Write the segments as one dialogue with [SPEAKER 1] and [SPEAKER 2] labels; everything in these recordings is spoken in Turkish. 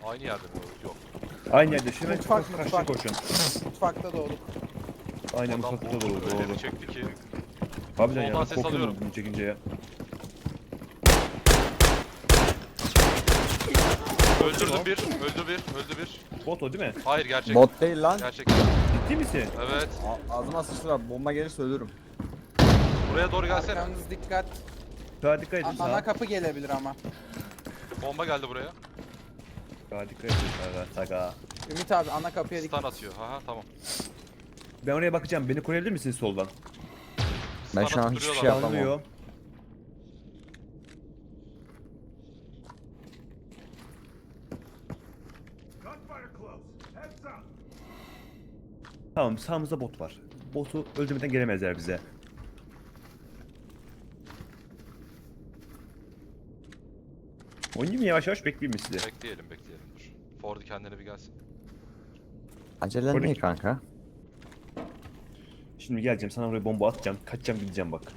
[SPEAKER 1] Aynı yerde mi? Yok.
[SPEAKER 2] Aynı yerde. Şuna
[SPEAKER 3] Mutfak,
[SPEAKER 2] karşı
[SPEAKER 3] mutfak.
[SPEAKER 2] koşun.
[SPEAKER 3] Mutfakta doğduk.
[SPEAKER 2] Aynen
[SPEAKER 1] Adam
[SPEAKER 2] mutfakta da doğru.
[SPEAKER 1] öyle
[SPEAKER 2] Doğru.
[SPEAKER 1] bir çekti ki.
[SPEAKER 2] Harbiden ya.
[SPEAKER 1] Soldan
[SPEAKER 2] Ben
[SPEAKER 1] ses
[SPEAKER 2] korkuyorum
[SPEAKER 1] alıyorum.
[SPEAKER 2] bunu çekince ya.
[SPEAKER 1] Öldürdüm bir. Öldü bir. Öldü bir.
[SPEAKER 2] Bot o değil mi?
[SPEAKER 1] Hayır gerçek.
[SPEAKER 4] Bot değil lan.
[SPEAKER 1] Gerçek.
[SPEAKER 2] Ciddi misin?
[SPEAKER 1] Evet.
[SPEAKER 4] Ağzıma sıçtılar. Bomba gelirse ölürüm.
[SPEAKER 1] Buraya doğru gelsene.
[SPEAKER 3] Arkanız dikkat.
[SPEAKER 2] Sağa dikkat edin
[SPEAKER 3] Ana
[SPEAKER 2] sağa.
[SPEAKER 3] kapı gelebilir ama.
[SPEAKER 1] Bomba geldi buraya.
[SPEAKER 2] Sağa dikkat edin sağa. Sağa.
[SPEAKER 3] Ümit abi ana kapıya dikkat.
[SPEAKER 1] Stun atıyor. Haha tamam.
[SPEAKER 2] Ben oraya bakacağım. Beni koruyabilir misiniz soldan?
[SPEAKER 4] Ben
[SPEAKER 1] Stun
[SPEAKER 4] şu an
[SPEAKER 1] atıp
[SPEAKER 4] hiçbir
[SPEAKER 1] duruyorlar.
[SPEAKER 4] şey yapamam.
[SPEAKER 2] Anlıyor. Tamam sağımızda bot var. Botu öldürmeden gelemezler bize. Oynayayım mı yavaş yavaş bekleyeyim mi sizi?
[SPEAKER 1] Bekleyelim bekleyelim dur. Ford kendine bir gelsin.
[SPEAKER 4] Acelen
[SPEAKER 2] Polis.
[SPEAKER 4] ne kanka?
[SPEAKER 2] Şimdi geleceğim sana oraya bomba atacağım. Kaçacağım gideceğim bak.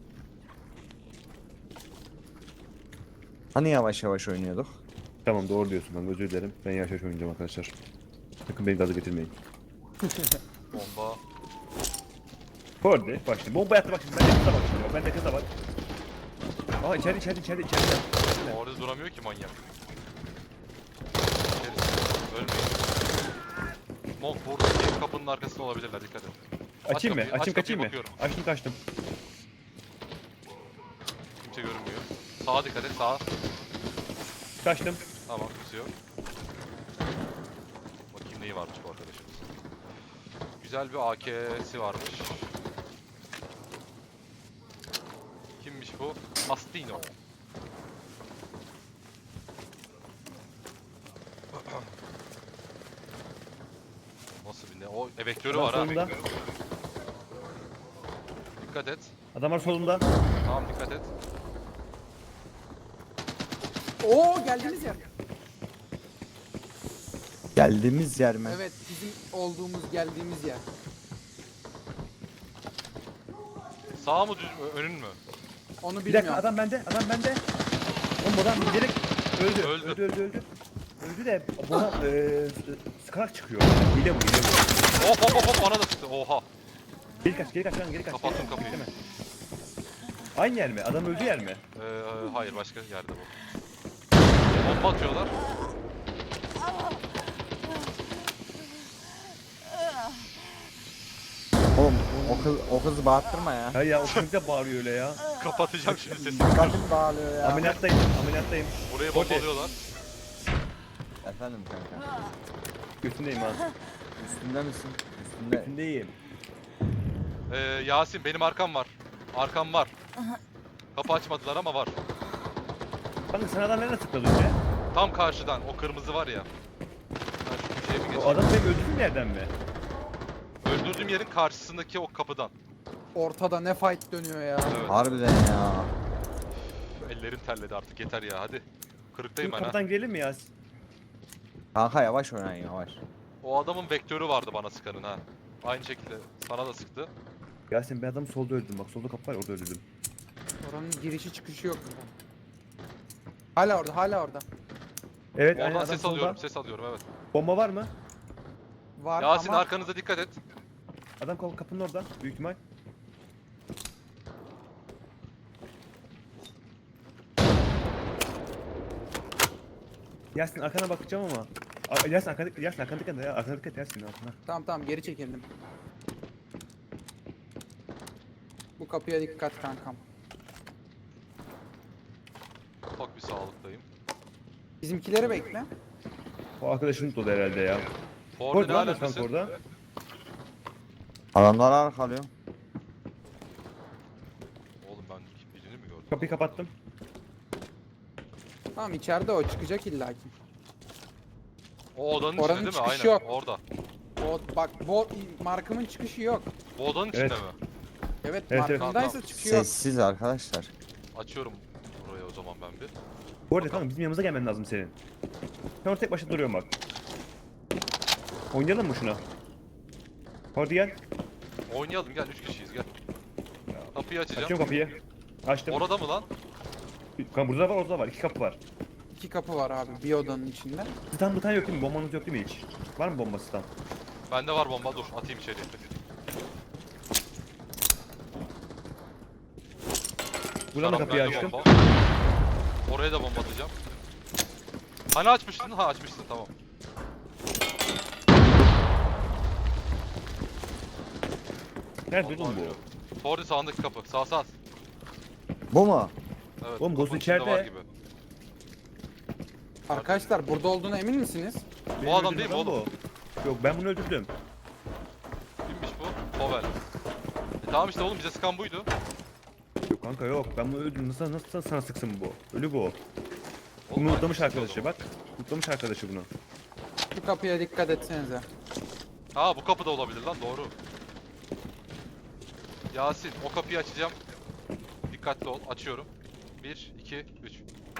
[SPEAKER 4] Hani yavaş yavaş oynuyorduk?
[SPEAKER 2] Tamam doğru diyorsun ben özür dilerim. Ben yavaş yavaş oynayacağım arkadaşlar. Sakın beni gaza getirmeyin.
[SPEAKER 1] Bomba.
[SPEAKER 2] Forde bak şimdi bomba yattı bak şimdi. Ben de kıza bak şimdi. Ben de kıza bak. Aa içeride.
[SPEAKER 1] Orada duramıyor ki manyak. İçerisi. Ölmeyin. Monk buradaki kapının arkasında olabilirler dikkat et.
[SPEAKER 2] Açayım mı?
[SPEAKER 1] kapıyı, aç
[SPEAKER 2] Açayım kaçayım mı?
[SPEAKER 1] kapıyı, bakıyorum.
[SPEAKER 2] Açtım kaçtım.
[SPEAKER 1] Kimse görünmüyor. Sağa dikkat et sağa.
[SPEAKER 2] Kaçtım.
[SPEAKER 1] Tamam kimse yok. Bakayım neyi varmış bu arkadaşımız. Güzel bir AK'si varmış. Kimmiş bu? Mastino. Nasıl bir ne? O evektörü var ha.
[SPEAKER 2] Solunda.
[SPEAKER 1] Dikkat et.
[SPEAKER 2] Adam var solunda.
[SPEAKER 1] Tamam dikkat et.
[SPEAKER 3] Oo geldiğimiz yer.
[SPEAKER 4] Geldiğimiz yer mi?
[SPEAKER 3] Evet bizim olduğumuz geldiğimiz yer.
[SPEAKER 1] Sağ mı düz mü? Önün mü?
[SPEAKER 3] Onu
[SPEAKER 2] Bir dakika
[SPEAKER 3] bilmiyorum.
[SPEAKER 2] adam bende. Oğlum adam direkt öldü.
[SPEAKER 1] Öldü.
[SPEAKER 2] Öldü de bana sıkarak çıkıyor. Hile bu.
[SPEAKER 1] Hop bana da çıktı. Oha.
[SPEAKER 2] Geri kaç lan.
[SPEAKER 1] Kapattım kapıyı.
[SPEAKER 2] Bekleme. Aynı yer mi? Adam öldü yer mi?
[SPEAKER 1] Hayır başka yerde bu. Bomba atıyorlar.
[SPEAKER 4] Oğlum o kızı bağırttırma ya.
[SPEAKER 2] Hayır ya o çocuk da bağırıyor öyle ya.
[SPEAKER 1] Kapatacağım şimdi sesini.
[SPEAKER 4] Dikkatim dağılıyor ya.
[SPEAKER 2] Ameliyattayım.
[SPEAKER 1] Buraya
[SPEAKER 2] Okey.
[SPEAKER 1] bombalıyorlar.
[SPEAKER 4] Efendim kanka.
[SPEAKER 2] Götündeyim ha.
[SPEAKER 4] Üstünde misin? Üstünde.
[SPEAKER 2] Götündeyim.
[SPEAKER 1] Yasin benim arkam var. Arkam var. Kapı açmadılar ama var.
[SPEAKER 2] Kanka sen adam nereden tıkladın önce?
[SPEAKER 1] Tam karşıdan o kırmızı var ya. Ben şu köşeye bir
[SPEAKER 2] O
[SPEAKER 1] geçeyim.
[SPEAKER 2] adam benim öldürdüğüm yerden mi?
[SPEAKER 1] Öldürdüğüm yerin karşısındaki o kapıdan.
[SPEAKER 3] Ortada ne fight dönüyor ya.
[SPEAKER 1] Evet.
[SPEAKER 4] Harbiden ya.
[SPEAKER 1] Ellerim terledi artık yeter ya hadi. Kırıktayım
[SPEAKER 2] Şimdi
[SPEAKER 1] ben ha.
[SPEAKER 2] kapıdan girelim mi ya?
[SPEAKER 4] Kanka yavaş oynayın yavaş.
[SPEAKER 1] O adamın vektörü vardı bana sıkanın ha. Aynı şekilde sana da sıktı.
[SPEAKER 2] Yasin ben adamı solda öldürdüm bak solda kapı var orada öldürdüm.
[SPEAKER 3] Oranın girişi çıkışı yok. Hala orada.
[SPEAKER 2] Evet aynen
[SPEAKER 1] Oradan
[SPEAKER 2] adam
[SPEAKER 1] ses
[SPEAKER 2] solda.
[SPEAKER 1] alıyorum ses alıyorum evet.
[SPEAKER 2] Bomba var mı?
[SPEAKER 3] Var
[SPEAKER 1] Yasin
[SPEAKER 3] ama
[SPEAKER 1] arkanıza dikkat et.
[SPEAKER 2] Adam kapının orada büyük ihtimal. Yasin arkana bakacağım ama. Yasin arkana dikkat ya. Arkana dikkat Yasin arkana.
[SPEAKER 3] tamam geri çekildim. Bu kapıya dikkat kankam.
[SPEAKER 1] Ufak bir sağlıktayım.
[SPEAKER 3] Bizimkileri bekle.
[SPEAKER 2] O arkadaşın tuttu herhalde ya.
[SPEAKER 1] Ford
[SPEAKER 2] Ford
[SPEAKER 1] ne
[SPEAKER 2] var mı kanka
[SPEAKER 1] alemdesin?
[SPEAKER 2] orada?
[SPEAKER 4] Adamlar arkalıyor.
[SPEAKER 1] Oğlum ben birini mi gördüm?
[SPEAKER 2] Kapıyı kapattım.
[SPEAKER 3] Tamam içeride o çıkacak illaki.
[SPEAKER 1] O odanın
[SPEAKER 3] Oranın
[SPEAKER 1] içinde değil mi?
[SPEAKER 3] çıkışı
[SPEAKER 1] Aynen
[SPEAKER 3] yok.
[SPEAKER 1] orada.
[SPEAKER 3] O bak bu markımın çıkışı yok.
[SPEAKER 1] Bu odanın içinde
[SPEAKER 2] Evet.
[SPEAKER 1] mi?
[SPEAKER 3] Evet,
[SPEAKER 2] Evet.
[SPEAKER 3] markımdaysa
[SPEAKER 1] Tamam.
[SPEAKER 3] çıkışı yok.
[SPEAKER 4] Sessiz arkadaşlar.
[SPEAKER 1] Açıyorum buraya o zaman ben bir.
[SPEAKER 2] Bu arada kanka bizim yanımıza gelmen lazım senin. Sen orada tek başına duruyorsun bak. Oynayalım mı şuna? Hadi gel.
[SPEAKER 1] Oynayalım gel 3 kişiyiz gel. Kapıyı açacağım.
[SPEAKER 2] Açıyorum kapıyı. Açtım.
[SPEAKER 1] Orada mı lan?
[SPEAKER 2] Kanka burada var orada var. İki kapı var.
[SPEAKER 3] 2 kapı var abi bir odanın içinde.
[SPEAKER 2] Stun butan yok değil mi? Bombanız yok değil mi hiç? Var mı bomba stun?
[SPEAKER 1] Bende var bomba, dur atayım içeriye.
[SPEAKER 2] Buradan da
[SPEAKER 1] Serap,
[SPEAKER 2] kapıyı
[SPEAKER 1] bende
[SPEAKER 2] açtım.
[SPEAKER 1] bomba. Oraya da bomba atacağım. Hani açmıştın? Ha, açmıştın, tamam.
[SPEAKER 2] Nerede
[SPEAKER 1] Vallahi
[SPEAKER 2] oğlum bu?
[SPEAKER 1] bilmiyorum. Fordi sağındaki kapı. Sağ.
[SPEAKER 4] Bu mu?
[SPEAKER 1] Evet.
[SPEAKER 2] Oğlum,
[SPEAKER 1] kapının
[SPEAKER 2] boss'un
[SPEAKER 1] içinde
[SPEAKER 2] içeride.
[SPEAKER 1] var gibi.
[SPEAKER 3] Arkadaşlar burada olduğuna emin misiniz?
[SPEAKER 2] Benim
[SPEAKER 1] adam
[SPEAKER 2] öldürdüğüm
[SPEAKER 1] değil mi
[SPEAKER 2] adam
[SPEAKER 1] oğlum?
[SPEAKER 2] bu. Yok, ben bunu öldürdüm.
[SPEAKER 1] Kimmiş bu? Povel. Tamam işte oğlum, bize sıkan buydu.
[SPEAKER 2] Yok kanka yok, ben bunu öldürdüm. Nasıl sana sıksın bu? Ölü bu.
[SPEAKER 1] Oğlum,
[SPEAKER 2] Bunu unutlamış
[SPEAKER 1] hangisi
[SPEAKER 2] arkadaşı
[SPEAKER 1] o
[SPEAKER 2] bak. Unutlamış arkadaşı bunu.
[SPEAKER 3] Şu kapıya dikkat etsenize.
[SPEAKER 1] zaman? Ha, bu kapı da olabilir lan, doğru. Yasin, o kapıyı açacağım. Dikkatli ol, açıyorum. 1, 2, 3.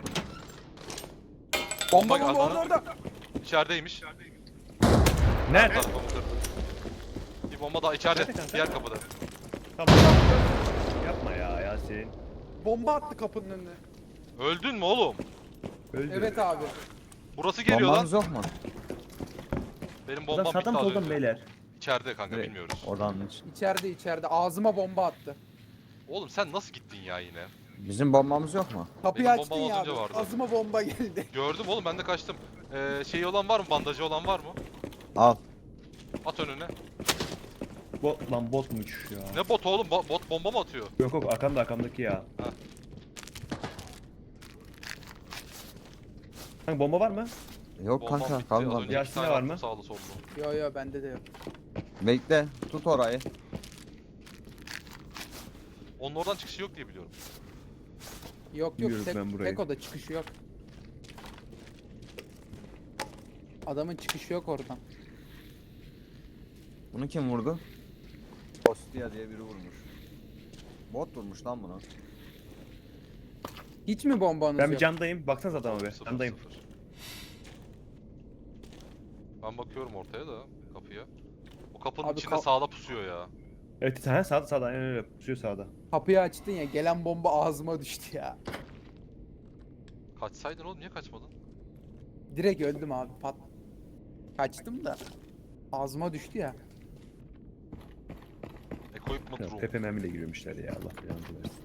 [SPEAKER 3] Bomba
[SPEAKER 1] Bak,
[SPEAKER 3] bomba
[SPEAKER 1] adamı-
[SPEAKER 3] orada.
[SPEAKER 1] İçerideymiş.
[SPEAKER 2] Nerede?
[SPEAKER 1] Tarafımı kırdı. Bir bomba daha içeride,
[SPEAKER 2] Nerede kanka?
[SPEAKER 1] diğer kapıda.
[SPEAKER 2] Tamam. Yapma ya Yasin.
[SPEAKER 3] Bomba attı kapının önüne.
[SPEAKER 1] Öldün mü oğlum?
[SPEAKER 2] Öldü.
[SPEAKER 3] Evet abi.
[SPEAKER 1] Burası geliyor
[SPEAKER 4] Bombanız
[SPEAKER 1] lan.
[SPEAKER 4] yok mu?
[SPEAKER 1] Benim
[SPEAKER 2] Buradan
[SPEAKER 1] bombam bitti
[SPEAKER 2] sağdan mı
[SPEAKER 1] az
[SPEAKER 2] soldan
[SPEAKER 1] önce.
[SPEAKER 2] beyler?
[SPEAKER 1] İçeride kanka,
[SPEAKER 4] Direkt
[SPEAKER 1] bilmiyoruz.
[SPEAKER 4] Odanın için.
[SPEAKER 3] İçeride ağzıma bomba attı.
[SPEAKER 1] Oğlum sen nasıl gittin ya yine?
[SPEAKER 4] Bizim bombamız yok mu?
[SPEAKER 3] Kapıyı
[SPEAKER 1] Benim
[SPEAKER 3] açtın
[SPEAKER 1] bombam
[SPEAKER 3] ya
[SPEAKER 1] az
[SPEAKER 3] abi.
[SPEAKER 1] önce vardı.
[SPEAKER 3] Ağzıma bomba geldi.
[SPEAKER 1] Gördüm oğlum, ben de kaçtım. Şeyi olan var mı? Bandajı olan var mı?
[SPEAKER 4] Al.
[SPEAKER 1] At önüne.
[SPEAKER 2] Bot lan, botmuş ya.
[SPEAKER 1] Ne bot oğlum? Bot bomba mı atıyor?
[SPEAKER 2] Yok yok, arkamdaki ya.
[SPEAKER 1] Ha.
[SPEAKER 2] Kanka bomba var mı?
[SPEAKER 4] Yok
[SPEAKER 1] Bombam
[SPEAKER 4] kanka
[SPEAKER 1] bitti. Az
[SPEAKER 4] kalmadı.
[SPEAKER 1] önce
[SPEAKER 2] Yasin'de
[SPEAKER 1] iki tane
[SPEAKER 2] var
[SPEAKER 1] attım
[SPEAKER 2] mı?
[SPEAKER 1] sağlı sollu.
[SPEAKER 3] Yo bende de yok.
[SPEAKER 4] Bekle. Tut orayı.
[SPEAKER 1] Onun oradan çıkışı yok diye biliyorum.
[SPEAKER 3] Yok
[SPEAKER 2] Biliyorum
[SPEAKER 3] tek,
[SPEAKER 2] ben burayı.
[SPEAKER 3] tek oda çıkışı yok. Adamın çıkışı yok oradan.
[SPEAKER 4] Bunu kim vurdu? Ostia diye biri vurmuş. Bot vurmuş lan bunu.
[SPEAKER 3] Hiç mi bombanız
[SPEAKER 2] Ben
[SPEAKER 3] yok?
[SPEAKER 2] bir candayım. Baksanıza adama be.
[SPEAKER 1] Sıfır,
[SPEAKER 2] Candayım.
[SPEAKER 1] sıfır. Ben bakıyorum ortaya da, kapıya. O kapının
[SPEAKER 3] Abi
[SPEAKER 1] içinde sağda pusuyor ya.
[SPEAKER 2] Evet, ha, sağda aynen öyle. Pusuyor sağda.
[SPEAKER 3] Kapıyı açtın ya gelen bomba ağzıma düştü ya.
[SPEAKER 1] Kaçsaydın oğlum, niye kaçmadın?
[SPEAKER 3] Direkt öldüm abi pat. Kaçtım da ağzıma düştü ya.
[SPEAKER 1] Equipment
[SPEAKER 2] Ya,
[SPEAKER 1] room.
[SPEAKER 2] Pepe mermiyle giriyormuşlar ya, Allah belanı versin.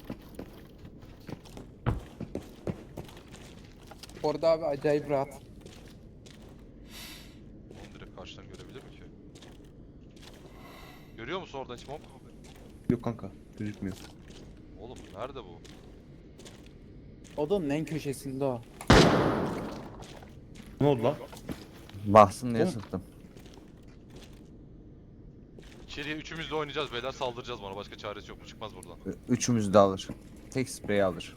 [SPEAKER 3] Orada abi acayip rahat.
[SPEAKER 1] Oğlum direkt karşıdan görebilir mi ki? Görüyor musun oradan hiç mob?
[SPEAKER 2] Yok kanka, gözükmüyor.
[SPEAKER 1] Oğlum nerede bu?
[SPEAKER 3] Odanın en köşesinde o.
[SPEAKER 2] Ne oldu lan?
[SPEAKER 4] Baksın diye
[SPEAKER 2] Oğlum.
[SPEAKER 4] sıktım.
[SPEAKER 1] İçeriye üçümüz de oynayacağız beyler, saldıracağız bana, başka çaresi yok, bu çıkmaz buradan.
[SPEAKER 4] Üçümüz de alır. Tek sprey alır.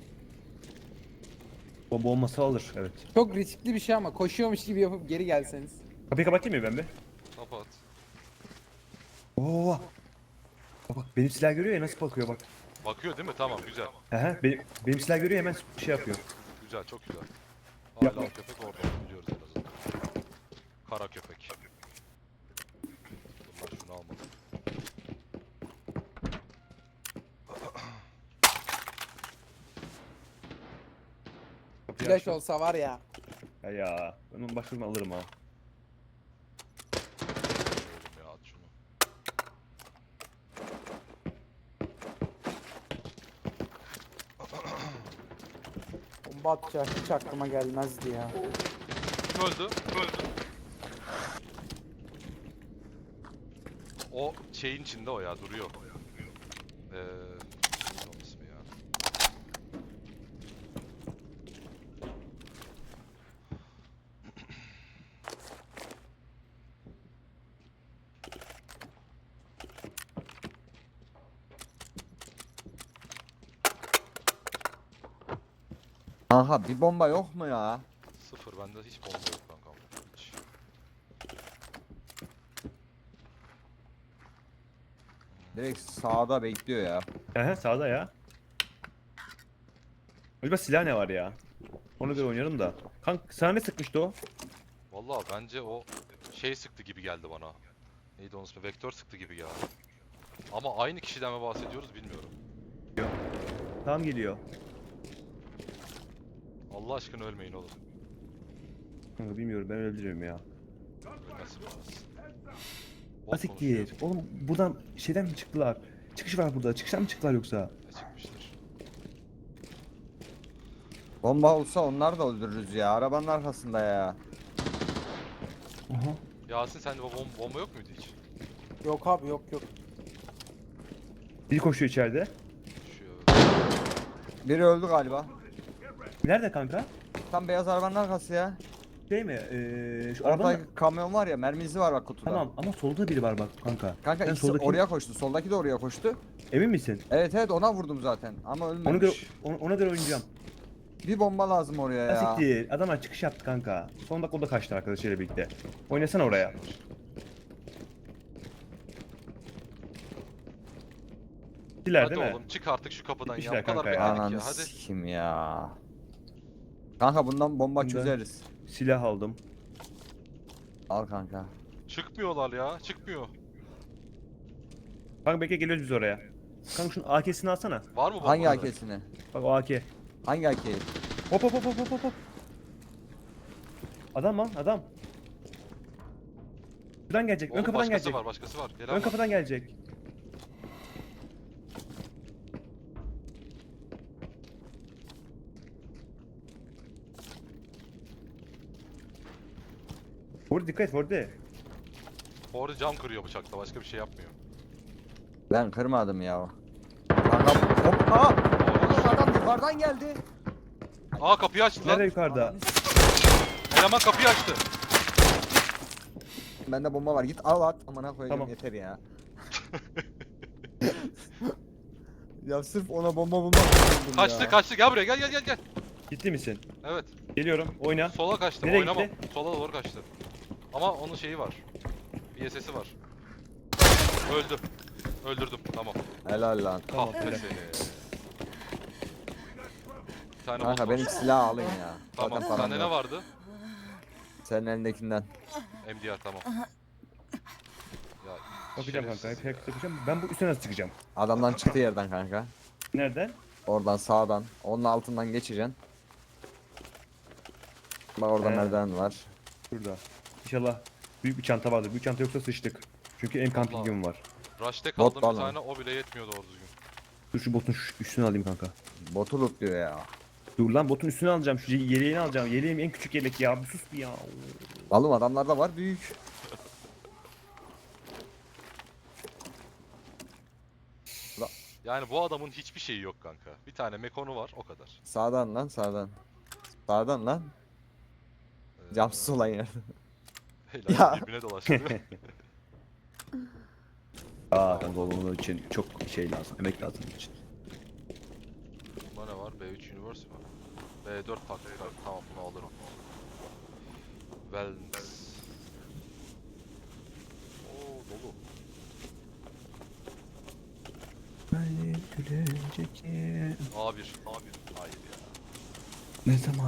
[SPEAKER 2] Bomba olmasa alır, evet.
[SPEAKER 3] Çok riskli bir şey ama koşuyormuş gibi yapıp geri gelseniz.
[SPEAKER 2] Kapıyı kapatayım mı ben be?
[SPEAKER 1] Kapat.
[SPEAKER 2] Oo. Bak benim silah görüyor ya, nasıl bakıyor bak.
[SPEAKER 1] Bakıyor değil mi? Tamam, güzel.
[SPEAKER 2] Aha, benim silah görüyor, hemen şey yapıyor.
[SPEAKER 1] Güzel, çok güzel.
[SPEAKER 2] Yapma.
[SPEAKER 1] Hala köpek orada, onu biliyoruz en azından. Kara köpek. Dur lan, şunu almadım.
[SPEAKER 2] Kapıyı
[SPEAKER 3] Flash
[SPEAKER 2] açtım.
[SPEAKER 3] olsa var ya.
[SPEAKER 2] Ya ben onu başkasından alırım ha.
[SPEAKER 1] Oğlum ya, at şunu.
[SPEAKER 3] Bomba atacak hiç aklıma gelmezdi ya.
[SPEAKER 1] Kim öldü? Öldü. O şeyin içinde o ya, duruyor. Neydi onun ismi ya?
[SPEAKER 4] Kanka bir bomba yok mu ya?
[SPEAKER 1] Sıfır, bende hiç bomba yok kankam. Hiç.
[SPEAKER 4] Direkt sağda bekliyor ya.
[SPEAKER 2] Aha, sağda ya. Acaba silah ne var ya? Ona göre oynarım da. Kanka sana ne sıkmıştı o?
[SPEAKER 1] Vallahi bence o şey sıktı gibi geldi bana. Neydi onun ismi? Vektör sıktı gibi ya. Ama aynı kişiden mi bahsediyoruz bilmiyorum.
[SPEAKER 2] Tam geliyor.
[SPEAKER 1] Allah aşkına ölmeyin oğlum.
[SPEAKER 2] Kanka bilmiyorum ben öldürüyorum ya.
[SPEAKER 1] Ölmezsin ölmezsin. Bot
[SPEAKER 2] Asiktir.
[SPEAKER 1] konuşuyor.
[SPEAKER 2] Oğlum buradan şeyden mi çıktılar? Çıkış var burada. Çıkıştan mı çıktılar yoksa?
[SPEAKER 1] Ne çıkmıştır?
[SPEAKER 4] Bomba olsa onlar da öldürürüz ya. Arabanın arkasında ya.
[SPEAKER 2] Aha.
[SPEAKER 1] Yasin sende bomba yok muydu hiç?
[SPEAKER 3] Yok abi yok.
[SPEAKER 2] Biri koşuyor içeride.
[SPEAKER 1] Şu
[SPEAKER 4] Biri öldü galiba.
[SPEAKER 2] Nerede kanka?
[SPEAKER 4] Tam beyaz arabanın arkası ya.
[SPEAKER 2] Şey mi? Şu
[SPEAKER 4] Orada
[SPEAKER 2] arabanın...
[SPEAKER 4] kamyon var ya, mermisi var bak kutuda.
[SPEAKER 2] Tamam ama solda biri var bak kanka.
[SPEAKER 4] Kanka
[SPEAKER 2] Ben
[SPEAKER 4] ikisi
[SPEAKER 2] soldaki-
[SPEAKER 4] oraya koştu. Soldaki de oraya koştu.
[SPEAKER 2] Emin misin?
[SPEAKER 4] Evet ona vurdum zaten ama
[SPEAKER 2] Ona göre,
[SPEAKER 4] ölmemiş.
[SPEAKER 2] ona göre oynayacağım.
[SPEAKER 4] Bir bomba lazım oraya ya.
[SPEAKER 2] Asiktir. Adamlar çıkış yaptı kanka. Son dakika o da kaçtı arkadaşıyla birlikte. Oynasana oraya. Kişiler
[SPEAKER 1] Hadi
[SPEAKER 2] değil mi?
[SPEAKER 1] oğlum çık artık şu kapıdan ya.
[SPEAKER 2] Gitmişler
[SPEAKER 1] Bu kadar
[SPEAKER 2] kanka ya.
[SPEAKER 1] bekledik
[SPEAKER 4] Ananı
[SPEAKER 1] ya. Hadi.
[SPEAKER 4] sikim ya. Kanka bundan bomba
[SPEAKER 2] Bundan-
[SPEAKER 4] çözeriz.
[SPEAKER 2] Silah aldım.
[SPEAKER 4] Al kanka.
[SPEAKER 1] Çıkmıyorlar ya. Çıkmıyor.
[SPEAKER 2] Kanka bekle geliyoruz biz oraya. Kanka şunun AK'sini alsana.
[SPEAKER 1] Var mı bomba?
[SPEAKER 4] Hangi AK'sini?
[SPEAKER 2] Bak o AK.
[SPEAKER 4] Hangi AK'yi?
[SPEAKER 2] Hop hop hop hop hop hop. Adam lan adam. Şuradan gelecek. Ön
[SPEAKER 1] Oğlum
[SPEAKER 2] kapıdan
[SPEAKER 1] başkası
[SPEAKER 2] gelecek.
[SPEAKER 1] var başkası var. Gelen
[SPEAKER 2] Ön
[SPEAKER 1] var.
[SPEAKER 2] kapıdan gelecek. Vur dikkat et Vurdu.
[SPEAKER 1] Orada cam kırıyor bıçakla. Başka bir şey yapmıyor.
[SPEAKER 4] Ben kırmadım ya. Kanka hop aa! Oğlum adam yukarıdan geldi.
[SPEAKER 1] Aa kapıyı açtı
[SPEAKER 2] Nerede
[SPEAKER 1] lan.
[SPEAKER 2] yukarıda?
[SPEAKER 4] Ananı s-
[SPEAKER 1] Eleman kapıyı açtı.
[SPEAKER 4] Bende bomba var, git al at. Amına koyayım
[SPEAKER 2] Tamam.
[SPEAKER 4] yeter ya. Ya sırf ona bomba bulmak için öldüm
[SPEAKER 1] Kaçtı
[SPEAKER 4] ya.
[SPEAKER 1] kaçtı. Gel buraya gel.
[SPEAKER 2] Ciddi misin?
[SPEAKER 1] Evet.
[SPEAKER 2] Geliyorum. Oyna.
[SPEAKER 1] Sola kaçtı.
[SPEAKER 2] Nereye
[SPEAKER 1] Oynamam.
[SPEAKER 2] gitti?
[SPEAKER 1] Sola doğru kaçtı. Ama onun şeyi var. VSS'i var. Öldü. Öldürdüm. Tamam.
[SPEAKER 4] Helal lan.
[SPEAKER 2] Tamam,
[SPEAKER 1] Ah be
[SPEAKER 2] helal.
[SPEAKER 1] seni. Bir tane
[SPEAKER 4] Kanka
[SPEAKER 1] bot
[SPEAKER 4] benim
[SPEAKER 1] var.
[SPEAKER 4] silahı alın ya.
[SPEAKER 1] Tamam.
[SPEAKER 4] Zaten param
[SPEAKER 1] Sende ne
[SPEAKER 4] yok.
[SPEAKER 1] vardı?
[SPEAKER 4] Senin elindekinden.
[SPEAKER 1] MDR tamam. Ya,
[SPEAKER 2] Bakacağım kanka.
[SPEAKER 1] şerefsiz
[SPEAKER 2] Hep
[SPEAKER 1] ya.
[SPEAKER 2] bakacağım. Ben bu üstüne nasıl çıkacağım?
[SPEAKER 4] Adamdan çıktı yerden kanka.
[SPEAKER 2] Nereden?
[SPEAKER 4] Oradan sağdan. Onun altından geçeceksin. Bak orada
[SPEAKER 2] He.
[SPEAKER 4] merdiven var.
[SPEAKER 2] Şurada. İnşallah büyük bir çanta vardır. Büyük çanta yoksa sıçtık. Çünkü en kampingim var.
[SPEAKER 1] Rush'te
[SPEAKER 4] Bot
[SPEAKER 1] kaldım
[SPEAKER 4] var
[SPEAKER 1] bir
[SPEAKER 4] lan.
[SPEAKER 1] tane. O bile yetmiyor doğru düzgün.
[SPEAKER 2] Dur şu botun üstüne alayım kanka.
[SPEAKER 4] Botu lootluyor ya.
[SPEAKER 2] Dur lan botun üstüne alacağım. Şu yeleğini alacağım. Yeleğim en küçük yelek ya. Bir sus bir ya.
[SPEAKER 4] Oğlum adamlarda var büyük.
[SPEAKER 1] Yani bu adamın hiçbir şeyi yok kanka. Bir tane mekonu var o kadar.
[SPEAKER 4] Sağdan lan sağdan. Sağdan lan. Camsız olan yer.
[SPEAKER 1] Helal
[SPEAKER 4] Ya.
[SPEAKER 1] birbirine dolaştı.
[SPEAKER 2] Aa kanka onun için çok şey lazım. Emek lazım onun için.
[SPEAKER 1] Bunda ne var? B3 Universe mi? B4 taktik var. Tamam bunu alırım. Wellness. Oo dolu. A1. Hayır ya.
[SPEAKER 2] Ne zaman?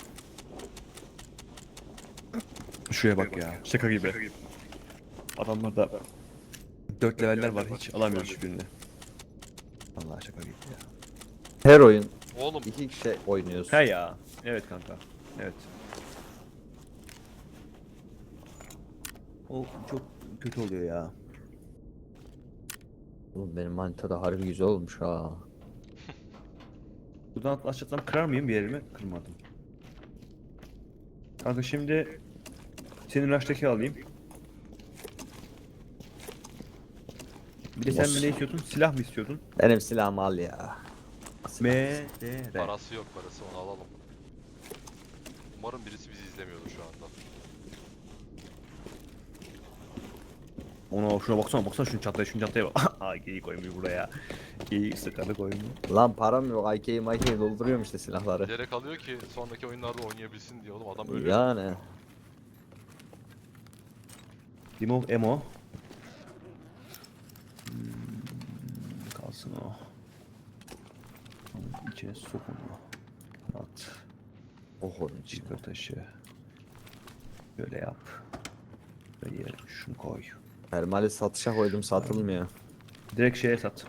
[SPEAKER 2] Şuraya bak ya. Şaka gibi. Adamlarda 4 leveller var hiç alamıyoruz hiçbirini. Allah şaka gibi ya.
[SPEAKER 4] Her oyun
[SPEAKER 1] Oğlum
[SPEAKER 4] 2 kişi oynuyorsun.
[SPEAKER 2] He ya. Evet kanka. Evet. O çok kötü oluyor ya.
[SPEAKER 4] Oğlum benim manita da harbi güzel olmuş ha.
[SPEAKER 2] Buradan atlatsam kırar mıyım bir yerimi? Kırmadım. Kanka şimdi senin rushtaki alayım. Bir de sen
[SPEAKER 4] Boss.
[SPEAKER 2] ne istiyordun? Silah mı istiyordun?
[SPEAKER 4] Benim silahımı al ya.
[SPEAKER 2] M, D, R.
[SPEAKER 1] parası yok parası onu alalım. Umarım birisi bizi izlemiyordur şu anda.
[SPEAKER 2] Ona şuna baksana şunu çantaya bak. Aa geyi koymuş buraya. Geyi sıkarı koymuş.
[SPEAKER 4] Lan param yok. IK'yi MIK'yi dolduruyorum işte silahları.
[SPEAKER 1] Bilerek alıyor ki sonraki oyunlarda oynayabilsin diye oğlum adam ölüyor.
[SPEAKER 4] Yani.
[SPEAKER 2] Remove ammo. Kalsın o. İçine sokun o. At.
[SPEAKER 4] Oh onun için.
[SPEAKER 2] Çıkar taşı. Böyle yap. Böyle şunu koy.
[SPEAKER 4] Termali satışa koydum satılmıyor.
[SPEAKER 2] Direkt şeye sat.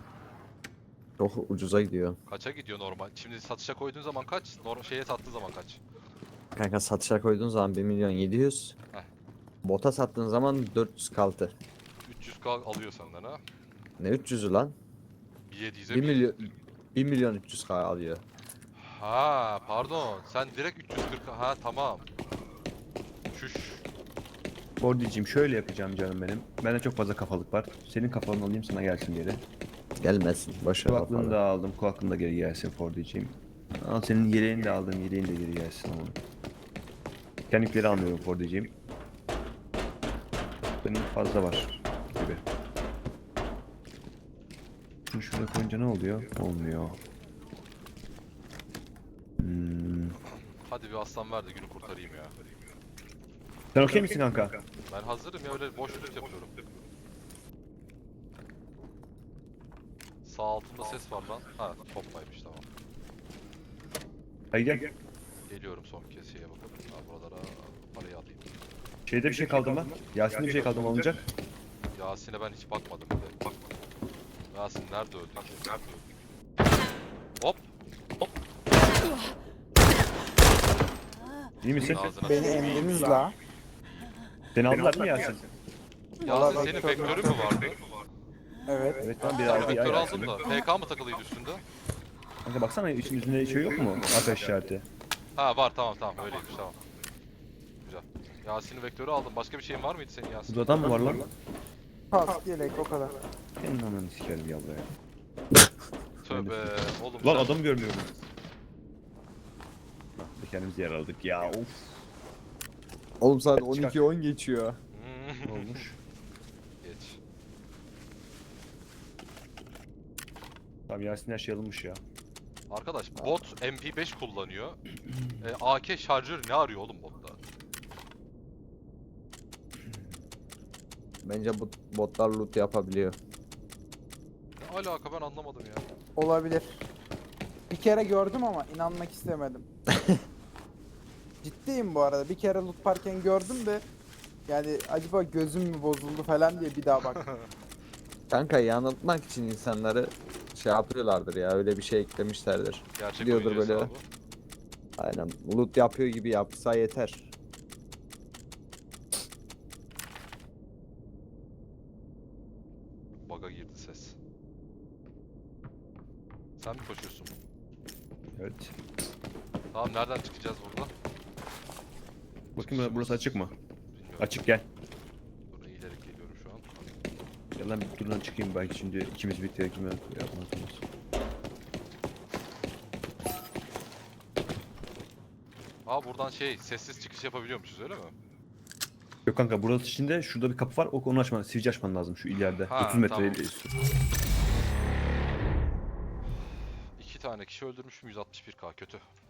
[SPEAKER 4] Çok ucuza gidiyor.
[SPEAKER 1] Kaça gidiyor normal? Şimdi satışa koyduğun zaman kaç? Şeye sattığı zaman kaç?
[SPEAKER 4] Kanka satışa koyduğun zaman 1.700.000.
[SPEAKER 1] Heh.
[SPEAKER 4] Bota sattığın zaman 400 kaldı.
[SPEAKER 1] 300k alıyor senden ha.
[SPEAKER 4] Ne 300'ü lan?
[SPEAKER 1] 700'e
[SPEAKER 4] 1 milyon 1.300.000 alıyor.
[SPEAKER 1] Ha pardon. Sen direkt 340. Ha tamam. Şuş.
[SPEAKER 2] Fordiciğim şöyle yapacağım canım benim. Bende çok fazla kafalık var. Senin kafanı alayım sana gelsin geri.
[SPEAKER 4] Gelmesin. Boş ver
[SPEAKER 2] Kulaklığını
[SPEAKER 4] kafalı.
[SPEAKER 2] da aldım. Kulaklığın da geri gelsin Fordiciğim. Al senin yeleğini de aldım. Yeleğin de geri gelsin ama. Kendikleri almıyorum Fordiciğim. Benim fazla var gibi. Şunu şuraya koyunca ne oluyor? Olmuyor.
[SPEAKER 1] Hadi bir aslan ver de günü kurtarayım ya.
[SPEAKER 2] Sen okey misin kanka?
[SPEAKER 1] Ben hazırım ya, öyle boş loot yapıyorum. Sağ altında ses var lan. Ha toplaymış tamam.
[SPEAKER 2] Hadi gel.
[SPEAKER 1] Geliyorum son kez şeye bakıp. Ha buralara parayı alayım.
[SPEAKER 2] Şeyde bir şey kaldı mı? Yasin'de bir şey kaldı mı alınacak?
[SPEAKER 1] Yasin'e ben hiç bakmadım bile. Yasin nerede öldü? Nerede öldü? Hop!
[SPEAKER 2] İyi misin?
[SPEAKER 1] Ağzına
[SPEAKER 3] Beni
[SPEAKER 1] sıçayım.
[SPEAKER 3] emdiniz la.
[SPEAKER 2] Seni aldılar mı Yasin?
[SPEAKER 1] Yasin
[SPEAKER 3] Vallahi
[SPEAKER 1] senin
[SPEAKER 3] çok-
[SPEAKER 1] vektörün mü vardı?
[SPEAKER 3] Evet.
[SPEAKER 2] Evet lan bir
[SPEAKER 1] Ben
[SPEAKER 2] aldı ya
[SPEAKER 1] vektör
[SPEAKER 2] Yasin.
[SPEAKER 1] aldım da. PK mı takılıydı üstünde?
[SPEAKER 2] Kanka baksana üstünde şey yok mu? Ateş işareti.
[SPEAKER 1] Ha var tamam öyleymiş tamam. Güzel. Yasin'in vektörü aldım. Başka bir şeyin var mıydı senin Yasin?
[SPEAKER 2] Burada adam mı var lan?
[SPEAKER 3] Pas yelek o kadar.
[SPEAKER 2] Senin ananı sikerim ya buraya.
[SPEAKER 1] Tövbe oğlum
[SPEAKER 2] Lan
[SPEAKER 1] sen-
[SPEAKER 2] adam görmüyorum. Lan bir kendimizi yer aldık ya of.
[SPEAKER 4] Oğlum saat
[SPEAKER 2] Çıkar.
[SPEAKER 4] 12-10 geçiyor.
[SPEAKER 2] Ne olmuş?
[SPEAKER 1] Geç.
[SPEAKER 2] Tamam Yasin her şey alınmış ya.
[SPEAKER 1] Arkadaş bot MP5 kullanıyor. AK şarjör ne arıyor oğlum botta?
[SPEAKER 4] Bence bu botlar loot yapabiliyor.
[SPEAKER 1] Ne alaka ben anlamadım ya.
[SPEAKER 3] Olabilir. Bir kere gördüm ama inanmak istemedim. Ciddiyim bu arada. Bir kere loot parken gördüm de yani acaba gözüm mü bozuldu falan diye bir daha bak.
[SPEAKER 4] Kanka yanıltmak için insanları şey yapıyorlardır ya, öyle bir şey eklemişlerdir.
[SPEAKER 1] Gerçek
[SPEAKER 4] Diyordur
[SPEAKER 1] oyuncu
[SPEAKER 4] böyle.
[SPEAKER 1] hesabı.
[SPEAKER 4] Aynen, loot yapıyor gibi yapsa yeter.
[SPEAKER 1] Bug'a girdi ses. Sen mi koşuyorsun?
[SPEAKER 2] Evet.
[SPEAKER 1] Tamam nereden çıkacağız burada?
[SPEAKER 2] Bakayım burası açık mı?
[SPEAKER 1] Bilmiyorum.
[SPEAKER 2] Açık gel.
[SPEAKER 1] Dur eğilerek geliyorum şu an.
[SPEAKER 2] Gel lan bir durdan çıkayım belki şimdi ikimiz birlikte kime yapmazsınız.
[SPEAKER 1] Aa buradan şey sessiz çıkış yapabiliyormuşuz öyle mi?
[SPEAKER 2] Yok kanka burası içinde şurada bir kapı var onu açman, sivici açman lazım şu ileride.
[SPEAKER 1] Ha,
[SPEAKER 2] 30 metre
[SPEAKER 1] tamam.
[SPEAKER 2] üstü.
[SPEAKER 1] 2 tane kişi öldürmüşüm 161k kötü.